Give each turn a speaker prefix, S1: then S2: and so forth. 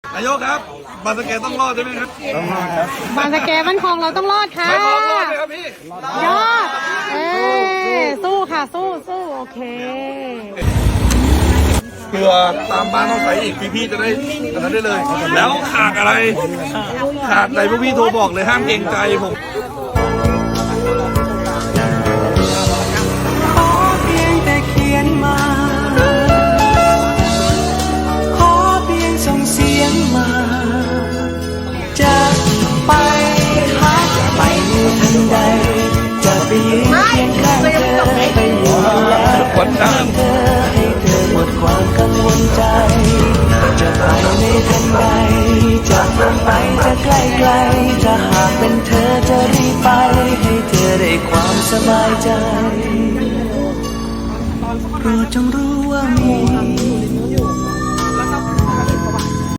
S1: นายกครับบางสะเก็ดต้องรอดใช่ไหมครับต้องรอดครับ
S2: บางสะแกบ้านคลองเราต้องรอดค่ะ
S1: ไม่รอดไหมครับพี่
S2: ยอดสู้ค่ะ สู้โอเค
S1: เกลือตามบ้านต้องใส่อีกพี่จะได้อันนั้นได้เลย แล้วขาดอะไรขาดอะไรพวกพี่โทรบอกเลยห้ามเกรงใจผม
S3: ขอเพียงแต่เขียนมา ขอเพียงส่งเสียงมา จะไปหาจะไปอยู่ทันใด จะไปยืนเคียงข้างเธอไปอยู่และ
S1: วันนั้น
S3: เธอให้เธอหมดความกังวลใจ จะไปในทันใด จะไปจะใกล้ๆจะหากเป็นเธอจะรีบไป ให้เธอได้ความสบายใจ โปรดจงรู้ว่ามี